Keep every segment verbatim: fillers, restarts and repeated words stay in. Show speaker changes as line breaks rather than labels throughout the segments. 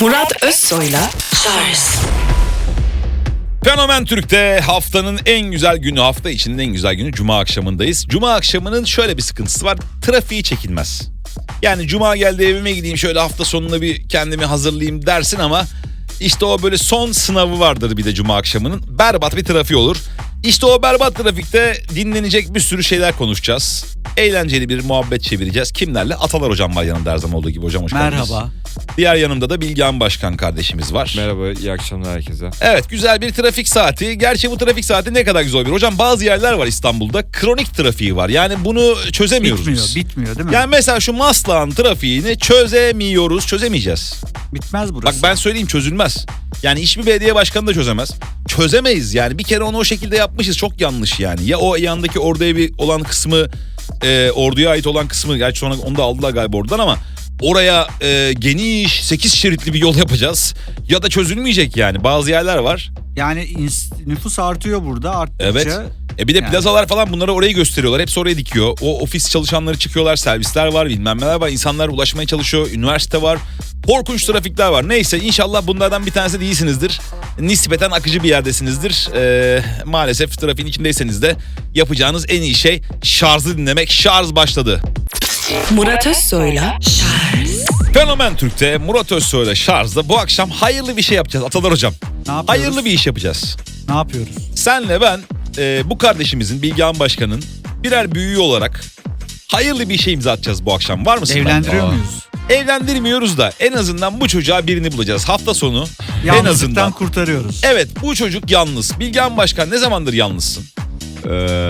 Murat Özsoy'la Charles.
Fenomen Türk'te haftanın en güzel günü, hafta içinin en güzel günü Cuma akşamındayız. Cuma akşamının şöyle bir sıkıntısı var. Trafiği çekilmez. Yani Cuma geldi evime gideyim şöyle hafta sonuna bir kendimi hazırlayayım dersin ama işte o böyle son sınavı vardır bir de Cuma akşamının. Berbat bir trafiği olur. İşte o berbat trafikte dinlenecek bir sürü şeyler konuşacağız. Eğlenceli bir muhabbet çevireceğiz. Kimlerle? Atalar hocam var yanımda her zaman olduğu gibi. Hocam hoş geldiniz.
Merhaba.
Diğer yanımda da Bilgehan Başkan kardeşimiz var.
Merhaba, iyi akşamlar herkese.
Evet, güzel bir trafik saati. Gerçi bu trafik saati ne kadar güzel bir. Hocam bazı yerler var İstanbul'da kronik trafiği var. Yani bunu çözemiyoruz
Bitmiyor,
biz.
bitmiyor değil mi?
Yani mesela şu Maslak'ın trafiğini çözemiyoruz, çözemeyeceğiz.
Bitmez burası.
Bak ben söyleyeyim, çözülmez. Yani hiçbir belediye başkanı da çözemez. Çözemeyiz yani. Bir kere onu o şekilde yapmışız. Çok yanlış yani. Ya o yandaki orduya bir olan kısmı, e, orduya ait olan kısmı, gerçi sonra onu da aldılar galiba oradan ama oraya e, geniş sekiz şeritli bir yol yapacağız. Ya da çözülmeyecek yani. Bazı yerler var.
Yani ins- nüfus artıyor burada, arttıkça.
Evet. E bir de
yani.
plazalar falan bunları orayı gösteriyorlar. Hepsi oraya dikiyor. O ofis çalışanları çıkıyorlar, servisler var, bilmem neler var. İnsanlar ulaşmaya çalışıyor. Üniversite var. Korkunç trafikler var. Neyse, inşallah bunlardan bir tanesi değilsinizdir. Nispeten akıcı bir yerdesinizdir. Ee, maalesef trafiğin içindeyseniz de yapacağınız en iyi şey şarjı dinlemek. Şarj başladı.
Murat Özsoy'la Charles.
Fenomen Türk'te Murat Özsoy'la Şarj'da bu akşam hayırlı bir şey yapacağız Atalar hocam.
Ne yapıyoruz?
Hayırlı bir iş yapacağız.
Ne yapıyoruz?
Senle ben e, bu kardeşimizin, Bilgehan Başkan'ın birer büyüğü olarak hayırlı bir şey imza atacağız bu akşam. Var mısın?
Evlendiriyor
Aa.
muyuz?
Evlendirmiyoruz da en azından bu çocuğa birini bulacağız. Hafta sonu en
Yalnızlıktan
azından.
kurtarıyoruz.
Evet, bu çocuk yalnız. Bilgehan Başkan, ne zamandır yalnızsın?
Ee,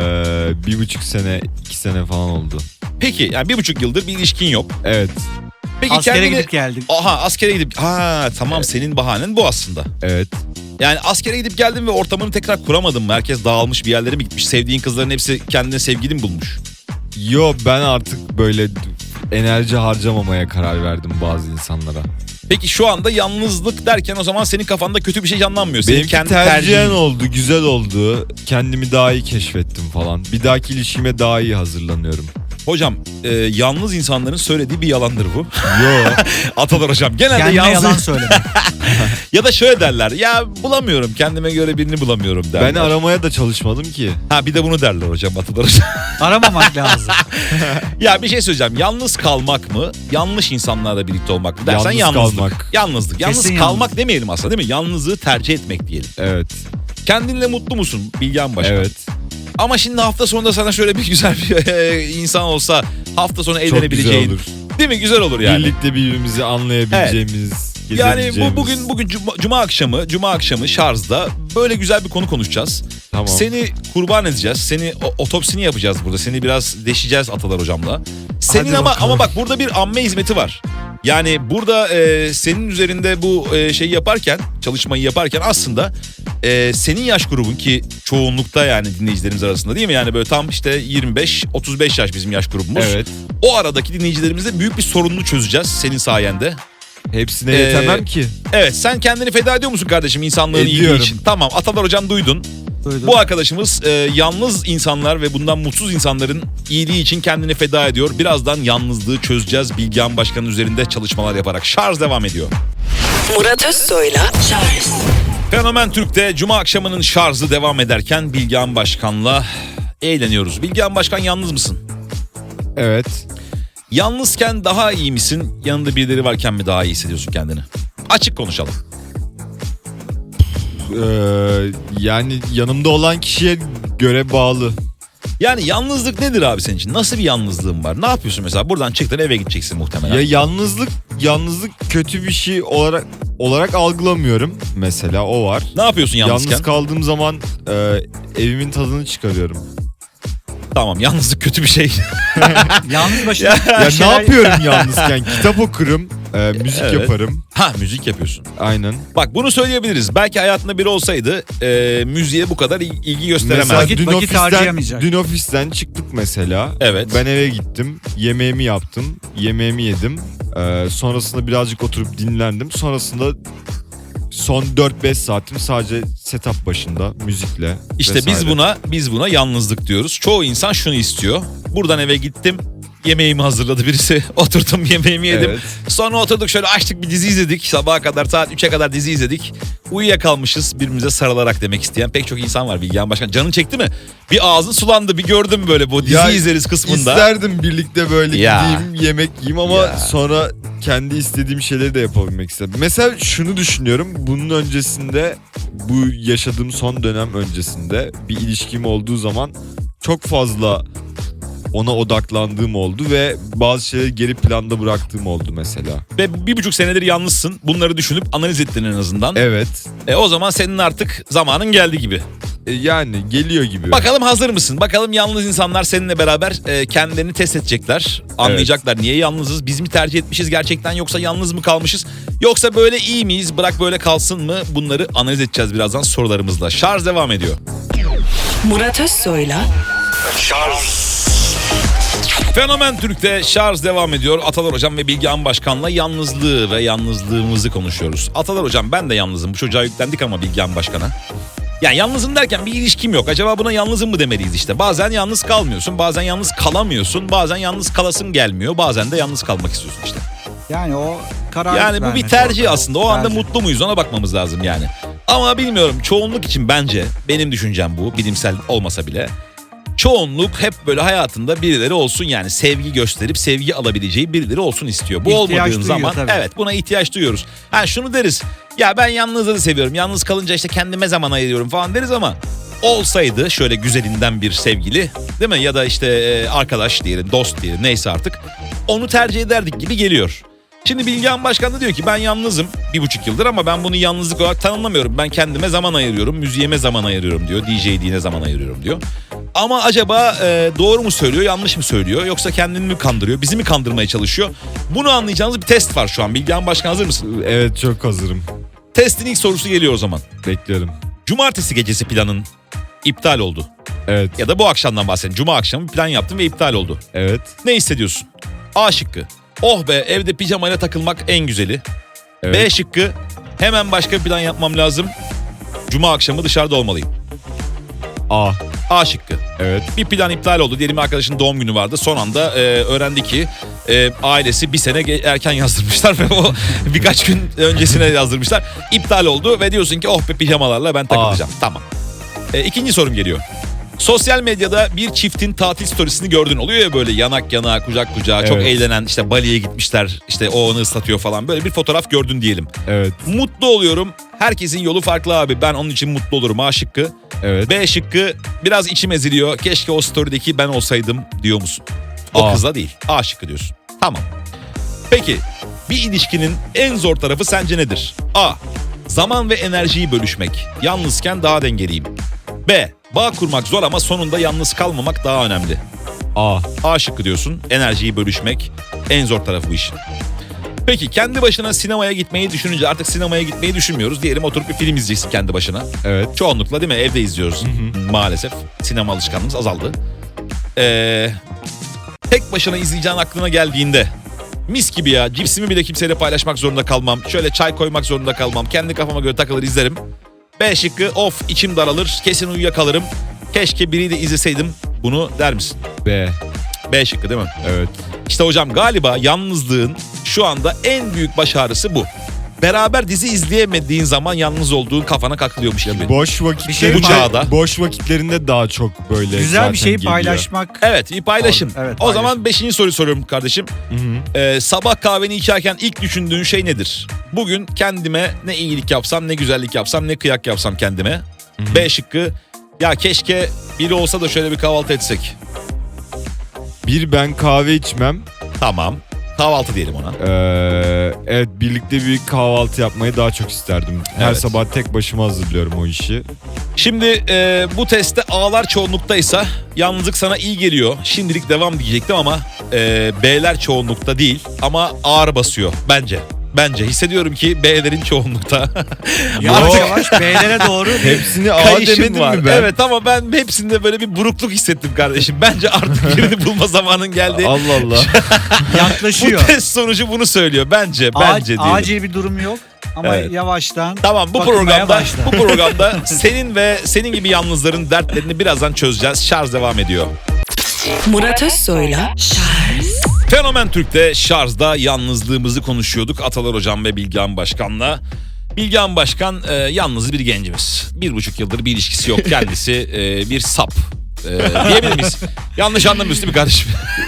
bir buçuk sene, iki sene falan oldu.
Peki yani bir buçuk yıldır bir ilişkin yok.
Evet,
Peki
Askere
kendini...
gidip geldik.
Aha, askere gidip... Ha tamam,
Evet.
senin bahanen bu aslında.
evet.
Yani askere gidip geldin ve ortamını tekrar kuramadın mı? Herkes dağılmış, bir yerlere mi gitmiş? Sevdiğin kızların hepsi kendine sevgili mi bulmuş?
Yo, ben artık böyle enerji harcamamaya karar verdim bazı insanlara.
Peki şu anda yalnızlık derken o zaman senin kafanda kötü bir şey canlanmıyor. Senin
Benimki
kendi
tercihen
tercihin.
oldu, güzel oldu. Kendimi daha iyi keşfettim falan. Bir dahaki ilişkime daha iyi hazırlanıyorum.
Hocam e, yalnız insanların söylediği bir yalandır bu.
Yo,
Atalar hocam genelde
Kendine
yalnız...
yalan söylemek.
Ya da şöyle derler, ya bulamıyorum, kendime göre birini bulamıyorum derler.
ben aramaya da çalışmadım ki.
Ha bir de bunu derler hocam, Atalar hocam.
Aramamak lazım.
Ya bir şey söyleyeceğim, yalnız kalmak mı, yanlış insanlarla birlikte olmak mı dersen
Yalnız
yalnızlık.
kalmak.
Yalnızlık. Yalnız
Kesin
kalmak
yalnız.
demeyelim aslında, değil mi? Yalnızlığı tercih etmek diyelim.
Evet,
Kendinle mutlu musun Bilgehan Başkan?
evet.
Ama şimdi hafta sonunda sana şöyle bir güzel bir e, insan olsa hafta sonu
Çok güzel
eğlenebileceğin.
olur.
Değil mi? Güzel olur yani.
Birlikte birbirimizi anlayabileceğimiz,
Yani bu
gezebileceğimiz.
bugün bugün cuma, cuma akşamı, cuma akşamı Şarj'da böyle güzel bir konu konuşacağız.
Tamam.
Seni kurban edeceğiz. Seni o- otopsini yapacağız burada. Seni biraz deşeceğiz Atalar hocamla. Senin
Hadi
ama
bakalım.
ama bak burada bir amme hizmeti var. Yani burada e, senin üzerinde bu e, şeyi yaparken, çalışmayı yaparken aslında e, senin yaş grubun, ki çoğunlukta yani dinleyicilerimiz arasında, değil mi? Yani böyle tam işte yirmi beş otuz beş yaş bizim yaş grubumuz.
Evet.
O aradaki dinleyicilerimizle büyük bir sorununu çözeceğiz senin sayende.
Hepsine
Ee,
yetemem ki.
Evet, sen kendini feda ediyor musun kardeşim insanlığın iyiliği
Ediyorum.
için? Tamam, Atalar hocam duydun.
Duydum.
Bu arkadaşımız e, yalnız insanlar ve bundan mutsuz insanların iyiliği için kendini feda ediyor. Birazdan yalnızlığı çözeceğiz Bilgehan Başkan'ın üzerinde çalışmalar yaparak. Şarj devam ediyor.
Murat Özsoy'la Charles.
Fenomen Türk'te Cuma akşamının şarjı devam ederken Bilgehan Başkan'la eğleniyoruz. Bilgehan Başkan, yalnız mısın?
Evet.
Yalnızken daha iyi misin? Yanında birileri varken mi daha iyi hissediyorsun kendini? Açık konuşalım.
Ee, yani yanımda olan kişiye göre bağlı.
Yani yalnızlık nedir abi senin için? Nasıl bir yalnızlığın var? Ne yapıyorsun mesela? Buradan çıktın, eve gideceksin muhtemelen.
Ya yalnızlık yalnızlık kötü bir şey olarak olarak algılamıyorum. Mesela o var.
Ne yapıyorsun yalnızken?
Yalnız kaldığım zaman e, evimin tadını çıkarıyorum.
Tamam, yalnızlık kötü bir şey.
Yalnız başına
Ya
Ya
bir şeyler-
ne yapıyorum yalnızken? Kitap okurum, e, müzik
Evet.
yaparım.
Ha, müzik yapıyorsun.
Aynen.
Bak bunu söyleyebiliriz. Belki hayatında biri olsaydı e, müziğe bu kadar il- ilgi gösteremez.
Mesela
Vakit-
dün
vakit
ofisten,
harcayamayacak.
dün ofisten çıktık mesela.
Evet.
Ben eve gittim, yemeğimi yaptım, yemeğimi yedim. E, sonrasında birazcık oturup dinlendim. Sonrasında son dört beş saatim sadece setup başında müzikle
İşte
vesaire.
biz buna biz buna yalnızlık diyoruz. Çoğu insan şunu istiyor. Buradan eve gittim. yemeğimi hazırladı birisi. Oturdum yemeğimi yedim.
Evet.
Sonra oturduk şöyle açtık bir dizi izledik. Sabaha kadar saat üçe kadar dizi izledik. Uyuyakalmışız birbirimize sarılarak demek isteyen pek çok insan var Bilgehan Başkan. Canın çekti mi? Bir ağzın sulandı bir gördüm böyle bu dizi
Ya,
izleriz kısmında.
İsterdim birlikte böyle
Ya.
gideyim yemek yiyeyim ama
Ya.
sonra kendi istediğim şeyleri de yapabilmek istedim. Mesela şunu düşünüyorum. Bunun öncesinde bu yaşadığım son dönem öncesinde bir ilişkim olduğu zaman çok fazla ona odaklandığım oldu ve bazı şeyleri geri planda bıraktığım oldu mesela.
Ve bir buçuk senedir yalnızsın. Bunları düşünüp analiz ettin en azından.
Evet.
E, o zaman senin artık zamanın geldi gibi.
E, yani geliyor gibi.
Bakalım hazır mısın? Bakalım yalnız insanlar seninle beraber e, kendilerini test edecekler. Anlayacaklar niye yalnızız? Biz mi tercih etmişiz gerçekten yoksa yalnız mı kalmışız? Yoksa böyle iyi miyiz? Bırak böyle kalsın mı? Bunları analiz edeceğiz birazdan sorularımızla. Şarj devam ediyor.
Murat Özsoy'la
Fenomen Türk'te şarj devam ediyor. Atalar Hocam ve Bilgehan Başkan'la yalnızlığı ve yalnızlığımızı konuşuyoruz. Atalar Hocam ben de yalnızım. Bu çocuğa yüklendik ama Bilgehan Başkan'a. Yani yalnızım derken bir ilişkim yok. Acaba buna yalnızım mı demeliyiz işte. Bazen yalnız kalmıyorsun, bazen yalnız kalamıyorsun, bazen yalnız kalasın gelmiyor, bazen de yalnız kalmak istiyorsun işte.
Yani o karar
Yani bu bir
vermek
tercih
orada.
aslında. O anda
Tercih.
mutlu muyuz ona bakmamız lazım yani. Ama bilmiyorum çoğunluk için bence benim düşüncem bu bilimsel olmasa bile. Çoğunluk hep böyle hayatında birileri olsun yani sevgi gösterip sevgi alabileceği birileri olsun istiyor. Bu
İhtiyaç
olmadığın
duyuyor
zaman
tabii.
evet buna ihtiyaç duyuyoruz. Ha şunu deriz ya ben yalnızlığı seviyorum yalnız kalınca işte kendime zaman ayırıyorum falan deriz ama olsaydı şöyle güzelinden bir sevgili değil mi ya da işte e, arkadaş diyelim dost diyelim neyse artık onu tercih ederdik gibi geliyor. Şimdi Bilgehan Başkan da diyor ki ben yalnızım bir buçuk yıldır ama ben bunu yalnızlık olarak tanımlamıyorum. Ben kendime zaman ayırıyorum, müziğime zaman ayırıyorum diyor, D J'liğine zaman ayırıyorum diyor. Ama acaba e, doğru mu söylüyor, yanlış mı söylüyor yoksa kendini mi kandırıyor, bizi mi kandırmaya çalışıyor? Bunu anlayacağınız bir test var şu an. Bilgehan Başkan hazır mısın?
Evet çok hazırım.
Testin ilk sorusu geliyor o zaman.
Bekliyorum.
Cumartesi gecesi planın iptal oldu.
Evet.
Ya da bu akşamdan bahsedin. Cuma akşamı plan yaptın ve iptal oldu.
Evet.
Ne hissediyorsun? A şıkkı. Oh be evde pijamayla takılmak en güzeli.
Evet.
B şıkkı. Hemen başka bir plan yapmam lazım. Cuma akşamı dışarıda olmalıyım.
A.
A şıkkı.
Evet.
Bir plan iptal oldu. Diyelim arkadaşın doğum günü vardı. Son anda e, öğrendi ki e, ailesi bir sene ge- erken yazdırmışlar ve o birkaç gün öncesine yazdırmışlar. İptal oldu ve diyorsun ki oh be pijamalarla ben takılacağım. Tamam. E, ikinci sorum geliyor. Sosyal medyada bir çiftin tatil storiesini gördün. Oluyor ya böyle yanak yana, kucak kucağa, çok
Evet.
eğlenen işte Bali'ye gitmişler. İşte o onu ıslatıyor falan. Böyle bir fotoğraf gördün diyelim.
Evet.
Mutlu oluyorum. Herkesin yolu farklı abi. Ben onun için mutlu olurum. A şıkkı.
Evet.
B şıkkı biraz içim eziliyor. Keşke o story'deki ben olsaydım diyor musun? O
A.
kızla değil. A şıkkı diyorsun. Tamam. Peki bir ilişkinin en zor tarafı sence nedir? A. Zaman ve enerjiyi bölüşmek. Yalnızken daha dengeliyim. B. Bağ kurmak zor ama sonunda yalnız kalmamak daha önemli.
A.
A şıkkı diyorsun. Enerjiyi bölüşmek en zor tarafı bu işin. Peki kendi başına sinemaya gitmeyi düşününce artık sinemaya gitmeyi düşünmüyoruz. Diyelim oturup bir film izleyeceksin kendi başına.
Evet.
Çoğunlukla değil mi? Evde izliyoruz. Maalesef sinema alışkanlığımız azaldı. Ee, tek başına izleyeceğin aklına geldiğinde mis gibi ya cipsimi bile kimseyle paylaşmak zorunda kalmam. Şöyle çay koymak zorunda kalmam. Kendi kafama göre takılır izlerim. B şıkkı of içim daralır kesin uyuyakalırım. Keşke biriyle izleseydim bunu der misin?
B.
B şıkkı değil mi?
Evet.
İşte hocam galiba yalnızlığın şu anda en büyük baş ağrısı bu. Beraber dizi izleyemediğin zaman yalnız olduğun kafana kakılıyormuş gibi.
Boş vakitlerinde,
Bir şey
Bu çağda.
boş vakitlerinde daha çok böyle
Güzel
zaten
bir şeyi
geliyor.
paylaşmak.
Evet bir paylaşım.
Doğru, evet,
o zaman
paylaşım.
beşinci soruyu soruyorum kardeşim.
Hı hı.
Ee, sabah kahveni içerken ilk düşündüğün şey nedir? Bugün kendime ne iyilik yapsam, ne güzellik yapsam, ne kıyak yapsam kendime.
hı.
B şıkkı. Ya keşke biri olsa da şöyle bir kahvaltı etsek.
Bir ben kahve içmem.
Tamam. Kahvaltı diyelim ona.
Ee, evet birlikte bir kahvaltı yapmayı daha çok isterdim. Her
Evet.
sabah tek başıma hazırlıyorum o işi.
Şimdi e, bu testte A'lar çoğunluktaysa yalnızlık sana iyi geliyor. Şimdilik devam diyecektim ama e, B'ler çoğunlukta değil ama ağır basıyor bence. Bence hissediyorum ki B'lerin çoğunlukta.
Yavaş yavaş B'lere doğru bir
Hepsini A
Kayışım
demedim
var.
mi ben?
Evet ama ben hepsinde böyle bir burukluk hissettim kardeşim. Bence artık birini bulma zamanın geldi.
Allah Allah.
Bu
yaklaşıyor.
test sonucu bunu söylüyor. Bence,
A-
bence diyelim.
acil bir durum yok ama
Evet.
yavaştan
Tamam bu
bakılmaya
programda
başla.
bu programda senin ve senin gibi yalnızların dertlerini birazdan çözeceğiz. Şarj devam ediyor.
Murat Özsoy'la Şarj
Fenomen Türk'te şarjda yalnızlığımızı konuşuyorduk Atalar Hocam ve Bilgehan Başkan'la. Bilgehan Başkan e, yalnız bir gencimiz. Bir buçuk yıldır bir ilişkisi yok. Kendisi e, bir sap. E, diyebilir miyiz? Yanlış anlamıyorsun değil mi kardeşim?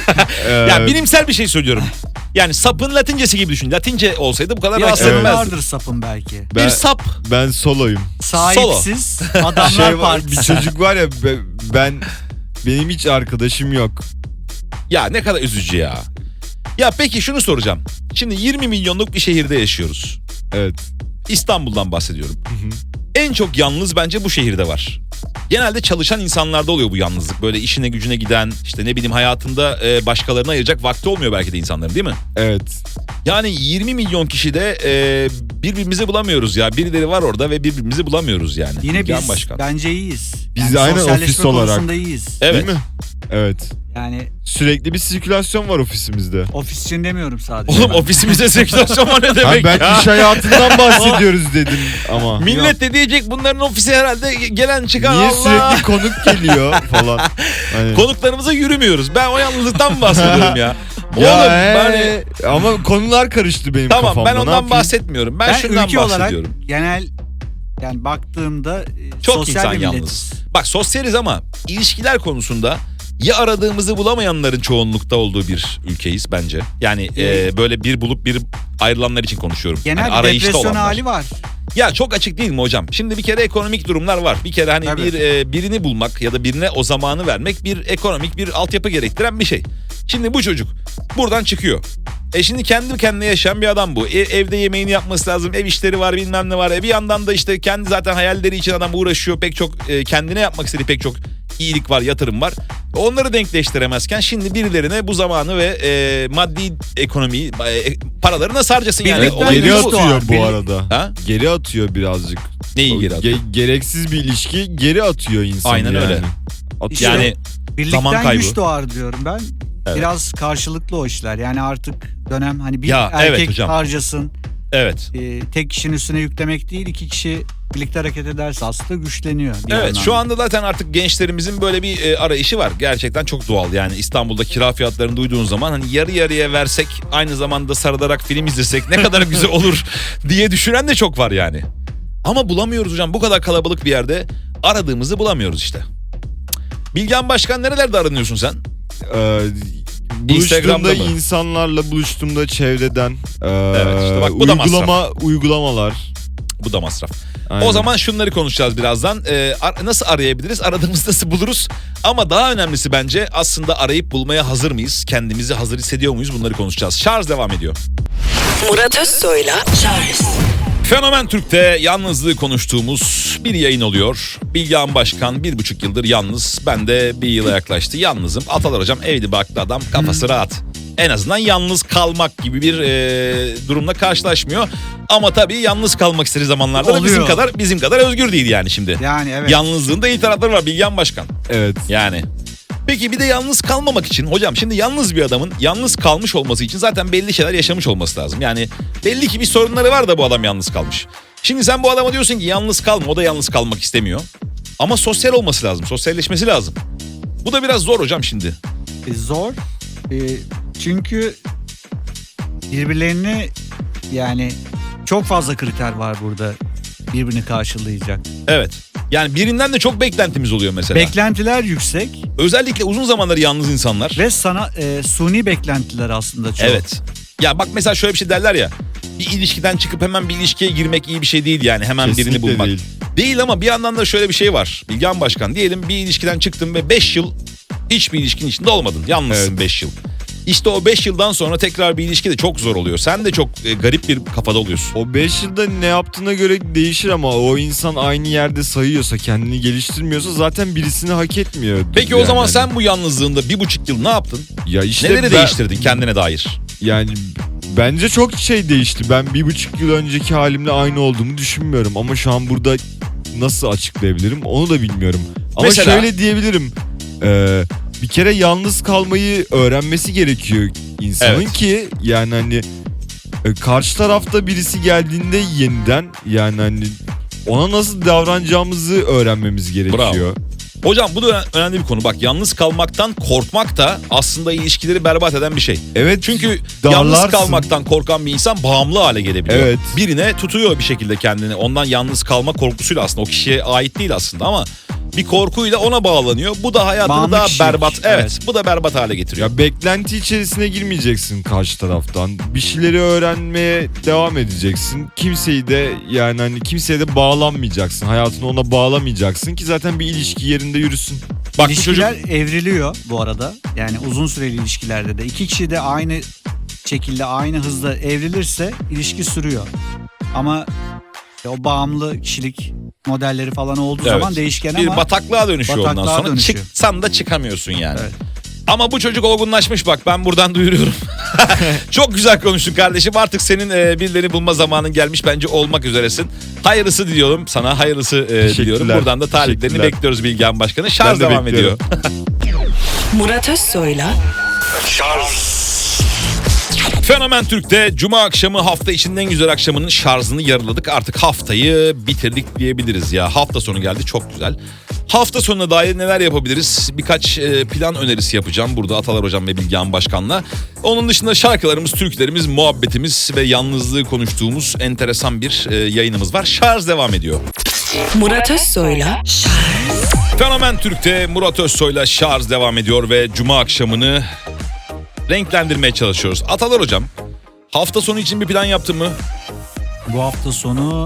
Yani bilimsel bir şey söylüyorum. Yani sapın latincesi gibi düşün. Latince olsaydı bu kadar
Bir
rahatsız
açıdan
etmezdi.
vardır sapın belki.
Ben-
Bir sap.
Ben soloyum.
Sahipsiz adamlar
Şey var,
partisi.
bir çocuk var ya be- ben benim hiç arkadaşım yok.
Ya ne kadar üzücü ya. Ya peki şunu soracağım. Şimdi yirmi milyonluk bir şehirde yaşıyoruz.
Evet.
İstanbul'dan bahsediyorum. En çok yalnız bence bu şehirde var. Genelde çalışan insanlarda oluyor bu yalnızlık. Böyle işine gücüne giden, işte ne bileyim hayatında e, başkalarına ayıracak vakti olmuyor belki de insanların, değil mi?
Evet.
Yani yirmi milyon kişide e, birbirimizi bulamıyoruz ya. Birileri var orada ve birbirimizi bulamıyoruz yani.
Yine
Bilgehan
biz
Başkan.
bence iyiyiz.
Biz de aynen
sosyalleşme
ofis olarak.
konusunda iyiyiz.
Evet.
Değil mi? Evet.
Yani
Sürekli bir sirkülasyon var ofisimizde.
ofis için demiyorum sadece.
Oğlum ofisimizde sirkülasyon var ne
Ha,
demek
ben
ya?
iş hayatından bahsediyoruz dedim ama.
Millet de diyecek bunların ofisi herhalde gelen çıkan
Niye
Allah.
sürekli konuk geliyor falan. Hani.
Konuklarımıza yürümüyoruz. Ben o yalnızlıktan mı bahsediyorum ya?
Ya
Oğlum
he,
hani...
ama konular karıştı benim
Tamam
kafamda.
ben
Ne
ondan
yapayım?
bahsetmiyorum. Ben,
Ben
şundan
ülke olarak
bahsediyorum.
genel yani baktığımda e,
Çok
sosyal
insan
bir
yalnız.
milletiz.
Bak sosyaliz ama ilişkiler konusunda ya aradığımızı bulamayanların çoğunlukta olduğu bir ülkeyiz bence. Yani e, böyle bir bulup bir ayrılanlar için konuşuyorum.
Genel
Yani
bir
arayışta
depresyon
olanlar.
hali var.
Ya çok açık değil mi hocam? Şimdi bir kere ekonomik durumlar var. Bir kere hani
Tabii.
bir e, birini bulmak ya da birine o zamanı vermek bir ekonomik bir altyapı gerektiren bir şey. Şimdi bu çocuk buradan çıkıyor. E şimdi kendi kendine yaşayan bir adam bu. E, evde yemeğini yapması lazım. Ev işleri var, bilmem ne var. E bir yandan da işte kendi zaten hayalleri için adam uğraşıyor. Pek çok e, kendine yapmak istediği pek çok iyilik var, yatırım var. Onları denkleştiremezken şimdi birilerine bu zamanı ve e, maddi ekonomiyi, e, paraları nasıl harcasın yani?
Birlikten
Olay
Geri
Birlikte
bu.
atıyor bu
Birlik-
arada.
Ha?
Geri atıyor birazcık.
Neyi geri
O
atıyor?
ge- gereksiz bir ilişki geri atıyor insanı.
Aynen
yani.
öyle.
Atıyor.
İşte
Yani
Birlikten
zaman kaybı.
güç doğar diyorum ben.
Evet.
Biraz karşılıklı o işler. Yani artık dönem hani bir
Ya, evet
erkek
hocam.
harcasın.
evet.
e, tek kişinin üstüne yüklemek değil, iki kişi birlikte hareket ederse aslında güçleniyor. bir
Evet
anlamda.
şu anda zaten artık gençlerimizin böyle bir e, arayışı var. Gerçekten çok doğal yani İstanbul'da kira fiyatlarını duyduğun zaman hani yarı yarıya versek aynı zamanda sarılarak film izlesek ne kadar güzel olur diye düşünen de çok var yani. Ama bulamıyoruz hocam bu kadar kalabalık bir yerde aradığımızı bulamıyoruz işte. Bilgehan Başkan nerelerde aranıyorsun sen?
Ee,
Instagram'da
buluştuğumda
mı?
insanlarla buluştuğumda çevreden e,
Evet, işte bak bu da
uygulama uygulamalar.
Bu da masraf.
Aynen.
O zaman şunları konuşacağız birazdan. Ee, ar- nasıl arayabiliriz? Aradığımızı nasıl buluruz? Ama daha önemlisi bence aslında arayıp bulmaya hazır mıyız? Kendimizi hazır hissediyor muyuz? Bunları konuşacağız. Şarj devam ediyor.
Murat Özsoy'la Charles
Fenomen Türk'te yalnızlığı konuştuğumuz bir yayın oluyor. Bilgehan Başkan bir buçuk yıldır yalnız. Ben de bir yıla yaklaştı. Yalnızım. Atalar hocam evli barklı adam. Kafası rahat. En azından yalnız kalmak gibi bir e, durumla karşılaşmıyor. Ama tabii yalnız kalmak istediği zamanlarda da
Oluyor.
bizim kadar bizim kadar özgür değil yani şimdi.
Yani evet.
Yalnızlığın da iyi tarafları var Bilgehan Başkan.
Evet.
Yani. Peki bir de yalnız kalmamak için hocam şimdi yalnız bir adamın yalnız kalmış olması için zaten belli şeyler yaşamış olması lazım. Yani belli ki bir sorunları var da bu adam yalnız kalmış. Şimdi sen bu adama diyorsun ki yalnız kalma, o da yalnız kalmak istemiyor. Ama sosyal olması lazım, sosyalleşmesi lazım. Bu da biraz zor hocam şimdi.
E, zor. E, çünkü birbirlerini yani çok fazla kriter var burada birbirini karşılayacak.
Evet. Yani birinden de çok beklentimiz oluyor mesela.
Beklentiler yüksek
Özellikle uzun zamanları yalnız insanlar.
ve sana e, suni beklentiler aslında çok.
Evet. Ya bak mesela şöyle bir şey derler ya. Bir ilişkiden çıkıp hemen bir ilişkiye girmek iyi bir şey değil yani. Hemen
Kesinlikle
birini bulmak.
değil.
Değil ama bir yandan da şöyle bir şey var. Bilgehan Başkan diyelim bir ilişkiden çıktın ve beş yıl hiçbir ilişkinin içinde olmadın. Yalnızsın
Evet.
beş yıl. İşte o beş yıldan sonra tekrar bir ilişki de çok zor oluyor. Sen de çok e, garip bir kafada oluyorsun.
O beş yılda ne yaptığına göre değişir ama o insan aynı yerde sayıyorsa, kendini geliştirmiyorsa zaten birisini hak etmiyor.
Peki o
Yani
zaman
hani-
sen bu yalnızlığında bir buçuk yıl ne yaptın?
ya işte
Neleri
ben-
değiştirdin kendine dair?
Yani bence çok şey değişti. Ben bir buçuk yıl önceki halimle aynı olduğumu düşünmüyorum. Ama şu an burada nasıl açıklayabilirim onu da bilmiyorum. Ama
Mesela?
şöyle diyebilirim. Ee, bir kere yalnız kalmayı öğrenmesi gerekiyor insanın
Evet.
ki yani hani e, karşı tarafta birisi geldiğinde yeniden yani hani ona nasıl davranacağımızı öğrenmemiz gerekiyor.
Hocam bu da önemli bir konu. Bak yalnız kalmaktan korkmak da aslında ilişkileri berbat eden bir şey.
Evet.
Çünkü
darlarsın.
yalnız kalmaktan korkan bir insan bağımlı hale gelebiliyor.
Evet.
Birine tutuyor bir şekilde kendini. Ondan yalnız kalma korkusuyla aslında o kişiye ait değil aslında ama bir korkuyla ona bağlanıyor. Bu da hayatını
Bağımlı
daha
kişilik.
berbat. Evet,
Evet.
bu da berbat hale getiriyor.
Ya beklenti içerisine girmeyeceksin karşı taraftan. Bir şeyleri öğrenmeye devam edeceksin. Kimseyi de yani hani kimseye de bağlanmayacaksın. Hayatını ona bağlamayacaksın ki zaten bir ilişki yerinde yürüsün.
Bak bu çocuk
İlişkiler evriliyor bu arada. Yani uzun süreli ilişkilerde de iki kişi de aynı şekilde aynı hızda evrilirse ilişki sürüyor. Ama o bağımlı kişilik modelleri falan olduğu
Evet.
zaman değişken
bir
ama
bataklığa dönüşüyor ondan
bataklığa
sonra.
dönüşüyor.
Çıksan da çıkamıyorsun yani.
Evet.
Ama bu çocuk olgunlaşmış bak ben buradan duyuruyorum. Çok güzel konuştun kardeşim. Artık senin e, birilerini bulma zamanın gelmiş. Bence olmak üzeresin. Hayırlısı diliyorum sana. Hayırlısı e, diliyorum. Buradan da taliplerini
teşekkürler.
bekliyoruz Bilgehan Başkanı. Şarj
Ben de
devam ediyor.
bekliyorum.
Murat Özsoy'la
Fenomen Türk'te Cuma akşamı hafta içinin en güzel akşamının şarjını yarıladık. Artık haftayı bitirdik diyebiliriz ya. Hafta sonu geldi çok güzel. Hafta sonuna dair neler yapabiliriz? Birkaç e, plan önerisi yapacağım burada Atalar Hocam ve Bilgehan Başkan'la. Onun dışında şarkılarımız, türkülerimiz, muhabbetimiz ve yalnızlığı konuştuğumuz enteresan bir e, yayınımız var. Şarj devam ediyor.
Murat Özsoy'la
Fenomen Türk'te Murat Özsoy'la şarj devam ediyor ve Cuma akşamını renklendirmeye çalışıyoruz. Atalar Hocam, hafta sonu için bir plan yaptın mı?
bu hafta sonu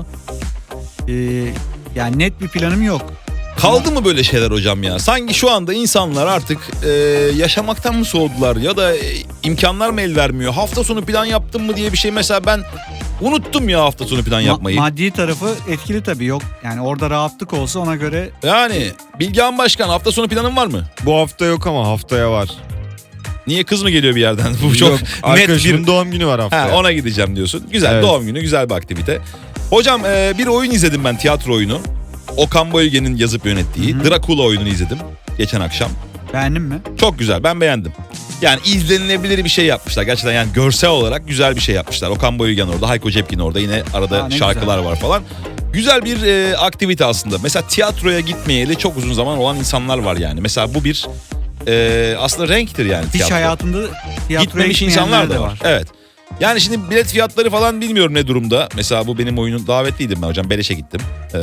e, yani net bir planım yok.
Kaldı mı böyle şeyler hocam ya? Sanki şu anda insanlar artık e, yaşamaktan mı soğudular ya da e, imkanlar mı el vermiyor? Hafta sonu plan yaptın mı diye bir şey mesela ben unuttum ya hafta sonu plan
Ma-
yapmayı.
maddi tarafı etkili tabii yok. Yani orada rahatlık olsa ona göre
Yani Bilgehan Başkan hafta sonu planın var mı?
Bu hafta yok ama haftaya var.
Niye kız mı geliyor bir yerden? Bu çok
Yok,
net
arkadaşımın
bir...
doğum günü var haftaya.
Ha, ona gideceğim diyorsun. Güzel
Evet.
doğum günü güzel bir aktivite. Hocam e, bir oyun izledim ben tiyatro oyunu. Okan Bayülgen'in yazıp yönettiği
Hı hı.
Dracula oyununu izledim geçen akşam.
beğendin mi?
Çok güzel ben beğendim. Yani izlenilebilir bir şey yapmışlar. Gerçekten yani görsel olarak güzel bir şey yapmışlar. Okan Bayülgen orada, Hayko Cepkin orada. Yine arada
Aa, ne
şarkılar
güzel.
var falan. Güzel bir e, aktivite aslında. Mesela tiyatroya gitmeyeli çok uzun zaman olan insanlar var yani. Mesela bu bir e, aslında renktir yani
Hiç
tiyatro.
hayatında tiyatroya
Gitmemiş
gitmeyenler
insanlar
de
da var. Evet. Yani şimdi bilet fiyatları falan bilmiyorum ne durumda. Mesela bu benim oyunun davetliydim ben hocam. Beleşe gittim. Ee,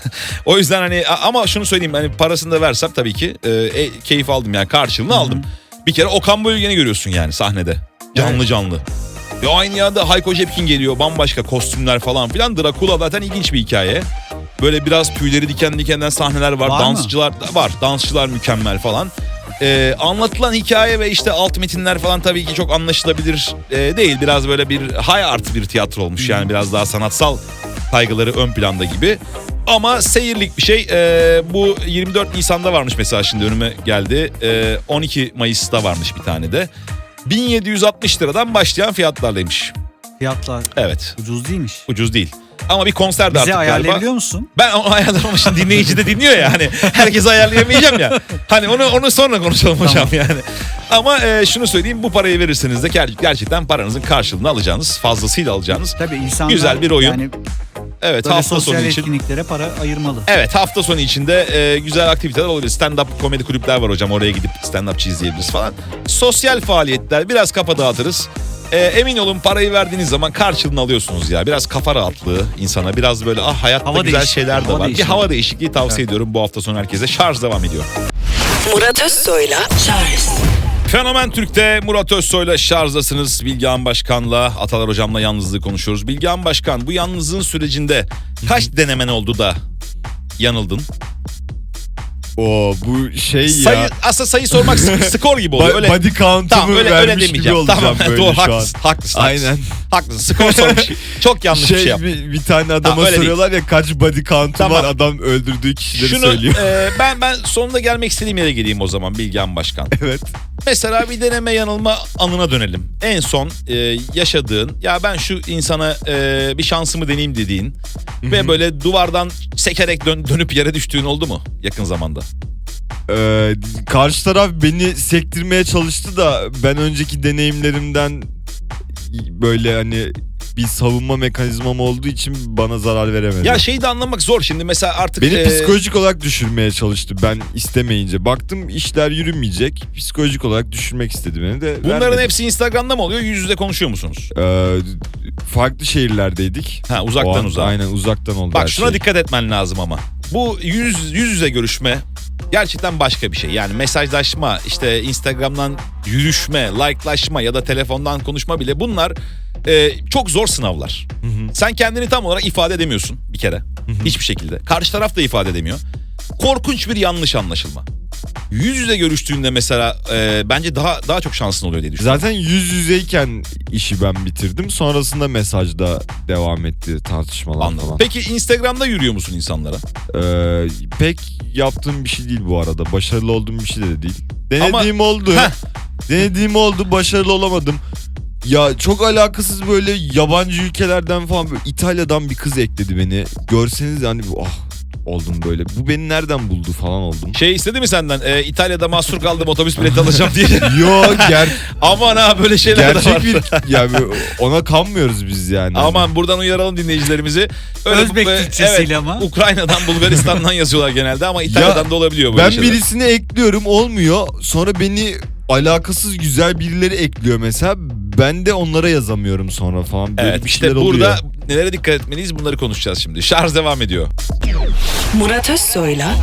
o yüzden hani ama şunu söyleyeyim hani parasını da versem tabii ki e, e, keyif aldım yani karşılığını aldım. Bir kere Okan Bayülgen'i görüyorsun yani sahnede. Canlı
Evet.
canlı. Ve aynı yerde Hayko Cepkin geliyor. Bambaşka kostümler falan filan. Dracula zaten ilginç bir hikaye. Böyle biraz tüyleri diken dikenden sahneler var.
Var mı?
Dansçılar da var. Dansçılar mükemmel falan. Ee, anlatılan hikaye ve işte alt metinler falan tabii ki çok anlaşılabilir e, değil. Biraz böyle bir high art bir tiyatro olmuş. Yani biraz daha sanatsal kaygıları ön planda gibi. Ama seyirlik bir şey. Ee, bu yirmi dört Nisan'da varmış mesela şimdi önüme geldi. Ee, on iki Mayıs'ta varmış bir tane de. bin yedi yüz altmış liradan başlayan fiyatlarlaymış.
Fiyatlar
Evet.
ucuz değilmiş.
Ucuz değil. Ama bir konser de
Bize
artık galiba.
ayarlayabiliyor musun?
Ben onu ayarlamamışım. Dinleyici de dinliyor ya. Hani herkese ayarlayamayacağım ya. Hani onu onu sonra konuşalım hocam yani. Ama e, şunu söyleyeyim. Bu parayı verirseniz de ger- gerçekten paranızın karşılığını alacağınız, fazlasıyla alacağınız.
Tabii insanlar
Güzel bir oyun.
yani
Evet
böyle
hafta
sosyal
sonu için.
etkinliklere para ayırmalı.
Evet hafta sonu içinde e, güzel aktiviteler olabilir. Stand-up komedi kulüpler var hocam. Oraya gidip stand-upçı izleyebiliriz falan. Sosyal faaliyetler biraz kafa dağıtırız. E, emin olun parayı verdiğiniz zaman karşılığını alıyorsunuz ya. Biraz kafa rahatlığı insana. Biraz böyle ah hayatta
Hava
güzel
değişikliği,
şeyler de
hava
var. Bir
değişikliği.
hava değişikliği tavsiye
Evet.
ediyorum bu hafta sonu herkese. Şarj devam ediyor.
Murat Özsoy'la Şarj.
Fenomen Türk'te Murat Özsoy'la şarjdasınız. Bilgehan Başkan'la, Atalar Hocam'la yalnızlığı konuşuyoruz. Bilgehan Başkan bu yalnızlığın sürecinde kaç denemen oldu da yanıldın?
Oo bu şey
Sayı,
ya.
aslında sayı sormak sk- skor gibi oluyor.
Ba-
Öyle,
body count'umu
tamam öyle, öyle
vermiş gibi
demeyeceğim.
olacağım
Tamam
böyle
doğru
şu an.
haklısın, haklısın.
Aynen.
Haklısın skor sormuş. Çok yanlış
Şey,
bir şey yaptın.
bir, bir tane adama
Tamam, öyle
soruyorlar ya kaç body count'u
Tamam.
var adam öldürdüğü kişileri
Şunu
söylüyor.
e, ben ben sonunda gelmek istediğim yere geleyim o zaman Bilgehan Başkan.
Evet.
Mesela bir deneme yanılma anına dönelim. En son e, yaşadığın ya ben şu insana e, bir şansımı deneyeyim dediğin ve böyle duvardan sekerek dön- dönüp yere düştüğün oldu mu yakın zamanda?
Ee, karşı taraf beni sektirmeye çalıştı da ben önceki deneyimlerimden böyle hani bir savunma mekanizmam olduğu için bana zarar veremedi.
Ya şeyi de anlamak zor şimdi mesela artık...
Beni
e,
psikolojik olarak düşürmeye çalıştı ben istemeyince. Baktım işler yürümeyecek. Psikolojik olarak düşürmek istedi beni de.
Bunların
vermedim.
hepsi Instagram'da mı oluyor? Yüz yüze konuşuyor musunuz?
Ee, farklı şehirlerdeydik.
Ha
O
uzaktan
an,
uzağa.
Aynen uzaktan oldu
Bak
her
şuna
şey.
dikkat etmen lazım ama. Bu yüz, yüz yüze görüşme gerçekten başka bir şey. Yani mesajlaşma, işte Instagram'dan yürüşme, like'laşma ya da telefondan konuşma bile bunlar e, çok zor sınavlar.
Hı hı.
Sen kendini tam olarak ifade edemiyorsun bir kere. Hiçbir şekilde. Karşı taraf da ifade edemiyor. Korkunç bir yanlış anlaşılma. Yüz yüze görüştüğünde mesela e, bence daha daha çok şansın oluyor diye düşünüyorum.
Zaten yüz yüzeyken işi ben bitirdim. Sonrasında mesajda devam etti tartışmalar
Anladım.
falan.
Peki Instagram'da yürüyor musun insanlara?
Ee, pek yaptığım bir şey değil bu arada. Başarılı olduğum bir şey de değil. Denediğim oldu.
Heh.
Denediğim oldu. Başarılı olamadım. Ya çok alakasız böyle yabancı ülkelerden falan böyle İtalya'dan bir kız ekledi beni. Görseniz hani ah oldum böyle. Bu beni nereden buldu falan oldum.
Şey istedi mi senden? E, İtalya'da mahsur kaldım otobüs bileti alacağım diye.
Yo ger
Aman ha böyle şeyler de var.
gerçek bir yani ona kanmıyoruz biz yani.
Aman buradan uyaralım dinleyicilerimizi.
Özbek
e,
Türkçesiyle
evet,
ama.
Ukrayna'dan Bulgaristan'dan yazıyorlar genelde ama İtalya'dan
Ya,
da olabiliyor böyle
ben
şeyler.
birisini ekliyorum olmuyor. Sonra beni alakasız güzel birileri ekliyor mesela. Ben de onlara yazamıyorum sonra falan. Böyle
Evet
bir
işte
şeyler
burada
oluyor.
nelere dikkat etmeliyiz bunları konuşacağız şimdi. Şarj devam ediyor.
Murat Özsoy'la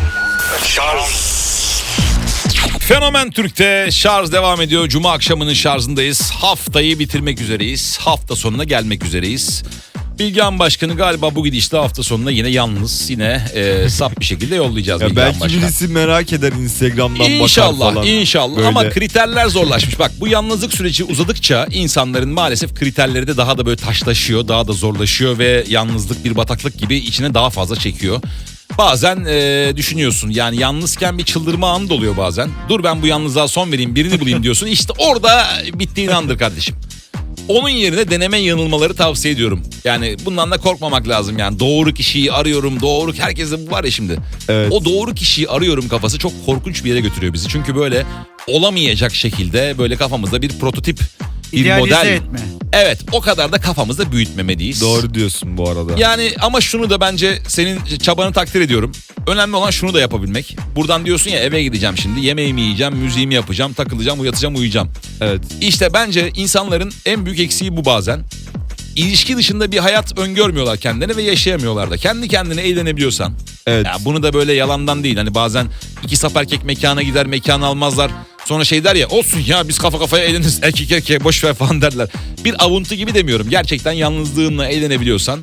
Fenomen Türk'te şarj devam ediyor. Cuma akşamının şarjındayız. Haftayı bitirmek üzereyiz. Hafta sonuna gelmek üzereyiz. Bilgehan Başkan'ı galiba bu gidişte hafta sonuna yine yalnız, yine e, sap bir şekilde yollayacağız
Ya
Bilgehan
belki
Başkan.
birisi merak eder Instagram'dan bakar
İnşallah,
falan.
inşallah.
Böyle.
Ama kriterler zorlaşmış. Bak bu yalnızlık süreci uzadıkça insanların maalesef kriterleri de daha da böyle taşlaşıyor, daha da zorlaşıyor ve yalnızlık bir bataklık gibi içine daha fazla çekiyor. Bazen e, düşünüyorsun yani yalnızken bir çıldırma anı da oluyor bazen. Dur ben bu yalnızlığa son vereyim, birini bulayım diyorsun. İşte orada bittiğin andır kardeşim. Onun yerine deneme yanılmaları tavsiye ediyorum. Yani bundan da korkmamak lazım yani. Doğru kişiyi arıyorum, doğru... Herkeste bu var ya şimdi.
Evet.
O doğru kişiyi arıyorum kafası çok korkunç bir yere götürüyor bizi. Çünkü böyle olamayacak şekilde böyle kafamızda bir prototip, bir
İdealize
model.
etme.
Evet, o kadar da kafamızda büyütmemeliyiz.
Doğru diyorsun bu arada.
Yani ama şunu da bence senin çabanı takdir ediyorum. Önemli olan şunu da yapabilmek. Buradan diyorsun ya eve gideceğim şimdi. Yemeğimi yiyeceğim, müziğimi yapacağım, takılacağım, yatacağım, uyuyacağım.
Evet.
İşte bence insanların en büyük eksiği bu bazen. İlişki dışında bir hayat öngörmüyorlar kendilerine ve yaşayamıyorlar da. Kendi kendine eğlenebiliyorsan.
Evet.
Ya bunu da böyle yalandan değil. Hani bazen iki sap erkek mekana gider, mekan almazlar. Sonra şey der ya olsun ya biz kafa kafaya eğleniriz. Erkek erkeğe boş ver falan derler. Bir avuntu gibi demiyorum. Gerçekten yalnızlığınla eğlenebiliyorsan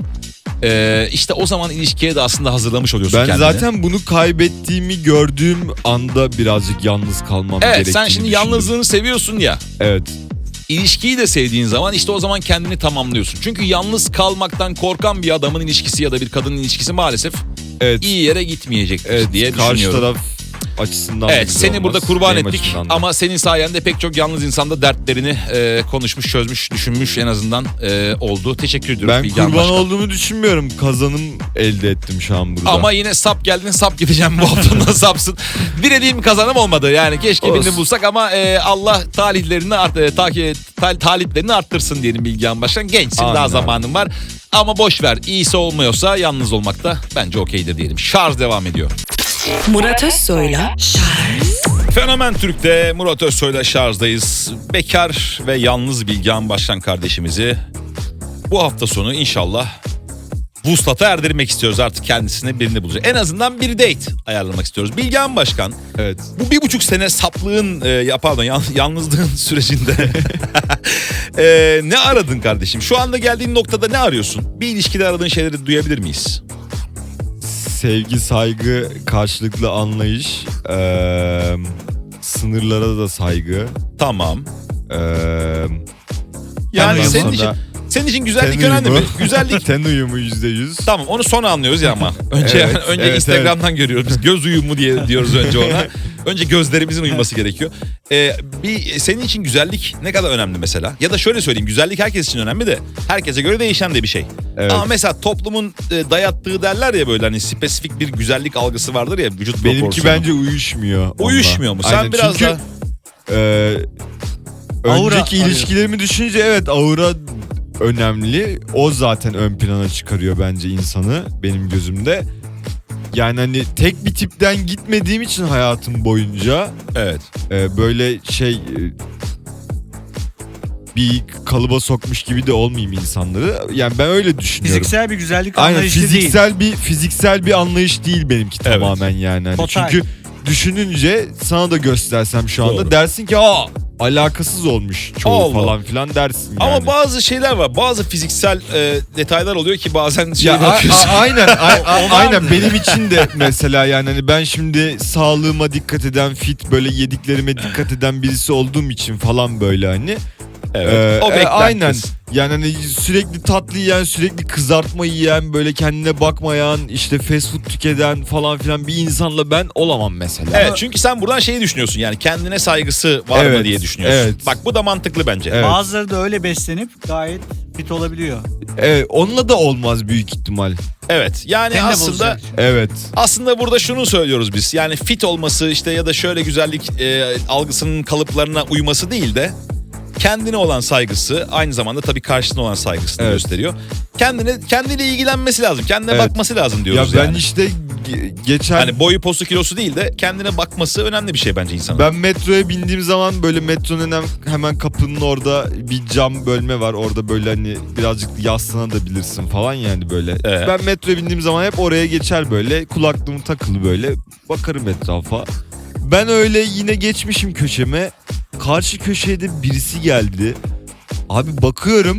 ee, işte o zaman ilişkiye de aslında hazırlamış oluyorsun
Ben
kendini.
zaten bunu kaybettiğimi gördüğüm anda birazcık yalnız kalmam
Evet
gerektiğini
sen şimdi
düşündüm.
yalnızlığını seviyorsun ya.
Evet.
İlişkiyi de sevdiğin zaman işte o zaman kendini tamamlıyorsun. Çünkü yalnız kalmaktan korkan bir adamın ilişkisi ya da bir kadının ilişkisi maalesef
Evet.
iyi yere gitmeyecektir
Evet.
diye
Karşı
düşünüyorum.
taraf açısından da
Evet
güzel
seni
olmaz.
burada kurban
Benim
ettik
açımdan da.
ama senin sayende pek çok yalnız insan da dertlerini e, konuşmuş, çözmüş, düşünmüş en azından e, oldu. Teşekkür ediyoruz
Ben
Bilgehan
kurban
Başkan.
olduğumu düşünmüyorum. Kazanım elde ettim şu an burada.
Ama yine sap geldin sap gideceğim bu haftanın sapsın. Dilediğim kazanım olmadı yani keşke
Olsun.
birini bulsak ama e, Allah talihlerini art, e, ta, tal, taliplerini arttırsın diyelim Bilgehan Başkan. Gençsin
Amin
daha
abi.
zamanın var ama boş ver iyisi olmuyorsa yalnız olmak da bence okeydir diyelim. Şarj devam ediyor.
Murat Özsoy'la
Fenomen Türk'te Murat Özsoy'la şarjdayız. Bekar ve yalnız Bilgehan Başkan kardeşimizi bu hafta sonu inşallah vuslata erdirmek istiyoruz. Artık kendisine birini bulacak. En azından bir date ayarlamak istiyoruz. Bilgehan Başkan
Evet.
bu bir buçuk sene saplığın e, ya pardon yan- yalnızlığın sürecinde e, ne aradın kardeşim? Şu anda geldiğin noktada ne arıyorsun? Bir ilişkide aradığın şeyleri duyabilir miyiz?
Sevgi, saygı, karşılıklı anlayış, eee, sınırlara da saygı.
Tamam.
Eee
Yani
ondan
senin
sonra
için senin için güzellik
ten
önemli mi?
uyumu.
Güzellik
Ten uyumu yüzde yüz.
tamam onu sonra anlıyoruz ya ama. Önce
Evet,
önce
evet,
Instagram'dan görüyoruz. Biz göz uyumu diye diyoruz önce ona. Önce gözlerimizin uyuması gerekiyor. Ee, bir senin için güzellik ne kadar önemli mesela? Ya da şöyle söyleyeyim güzellik herkes için önemli de herkese göre değişen de bir şey.
Evet.
Ama mesela toplumun e, dayattığı derler ya böyle hani spesifik bir güzellik algısı vardır ya vücut
Benimki
proporsiyonu.
bence uyuşmuyor. onunla.
Uyuşmuyor mu? Sen
Aynen,
biraz
çünkü,
da
eee,
Aura
önceki
arıyor.
ilişkilerimi düşününce evet aura önemli. O zaten ön plana çıkarıyor bence insanı benim gözümde. Yani hani tek bir tipten gitmediğim için hayatım boyunca
Evet.
e, böyle şey e, bir kalıba sokmuş gibi de olmayayım insanları. Yani ben öyle düşünüyorum.
Fiziksel bir güzellik
Aynen,
anlayışı değil.
fiziksel bir fiziksel bir anlayış değil benimki
Evet.
tamamen yani. Hani
Total.
çünkü düşününce sana da göstersem şu anda
Doğru.
dersin ki aa alakasız olmuş çoğu
Allah.
falan filan dersin yani.
Ama bazı şeyler var. Bazı fiziksel e, detaylar oluyor ki bazen şey
ya a-
bakıyorsun.
a- aynen a- a-
O
aynen
vardı.
benim için de mesela yani hani ben şimdi sağlığıma dikkat eden, fit böyle yediklerime dikkat eden birisi olduğum için falan böyle hani.
Evet.
Ee,
o
e,
beklentisi.
aynen. Yani hani sürekli tatlı yiyen, sürekli kızartma yiyen, böyle kendine bakmayan, işte fast food tüketen falan filan bir insanla ben olamam mesela.
Evet, çünkü sen buradan şeyi düşünüyorsun, yani kendine saygısı var mı
Evet,
diye düşünüyorsun.
evet.
Bak bu da mantıklı bence.
Evet.
Bazıları da öyle beslenip gayet fit olabiliyor.
Evet, onunla da olmaz büyük ihtimal.
Evet. Yani
Seni de
aslında
bozacak.
Evet.
aslında burada şunu söylüyoruz biz. Yani fit olması işte ya da şöyle güzellik e, algısının kalıplarına uyması değil de kendine olan saygısı, aynı zamanda tabii karşısına olan saygısını
Evet.
gösteriyor. Kendine kendiyle ilgilenmesi lazım. Kendine
Evet.
bakması lazım
Ya
diyoruz
ben
yani.
işte ge- geçen
Hani boyu postu kilosu değil de kendine bakması önemli bir şey bence insanın.
ben metroya bindiğim zaman böyle metronun hemen, hemen kapının orada bir cam bölme var. Orada böyle hani birazcık yaslanabilirsin falan yani böyle.
Ee?
Ben metroya bindiğim zaman hep oraya geçer böyle. Kulaklığım takılı böyle. Bakarım etrafa. Ben öyle yine geçmişim köşeme. Karşı köşeye de birisi geldi. Abi bakıyorum.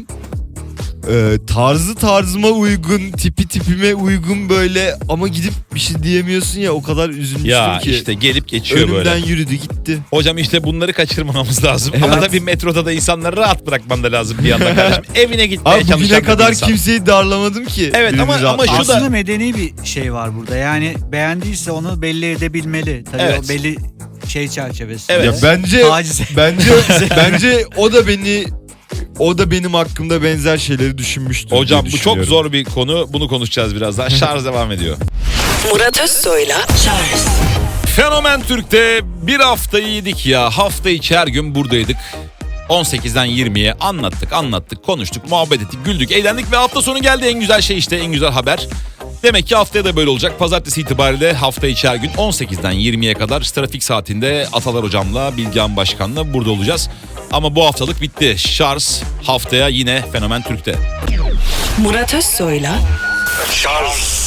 e, tarzı tarzıma uygun, tipi tipime uygun böyle ama gidip bir şey diyemiyorsun ya, o kadar üzülmüştüm
Ya
ki.
işte gelip geçiyor
Önümden
böyle.
yürüdü gitti.
Hocam işte bunları kaçırmamamız lazım. Ama
Evet.
tabii metroda da insanları rahat bırakman da lazım bir yandan kardeşim. Evine gitmeye
Abi
çalışan
bugüne
bir
kadar
insan.
kimseyi darlamadım ki.
Evet,
Birini
ama-
rahat-
ama şu da-
Aslında medeni bir şey var burada. Yani beğendiyse onu belli edebilmeli. Tabii
Evet.
o belli şey çerçevesi.
Evet.
Ya bence
Taciz.
bence bence o da beni o da benim hakkımda benzer şeyleri düşünmüştür diye
Hocam bu çok
düşünüyorum.
zor bir konu. Bunu konuşacağız birazdan. Şarj devam ediyor.
Murat Özsoy'la Charles
Fenomen Türk'te bir haftayı yedik ya. Hafta içi her gün buradaydık. on sekizden yirmiye anlattık, anlattık, konuştuk, muhabbet ettik, güldük, eğlendik ve hafta sonu geldi. En güzel şey işte, en güzel haber. Demek ki haftaya da böyle olacak. Pazartesi itibariyle hafta içi her gün on sekizden yirmiye kadar trafik saatinde Atalar Hocam'la, Bilgehan Başkan'la burada olacağız. Ama bu haftalık bitti. Şarj haftaya yine Fenomen Türk'te.
Murat Özsoy'la
Charles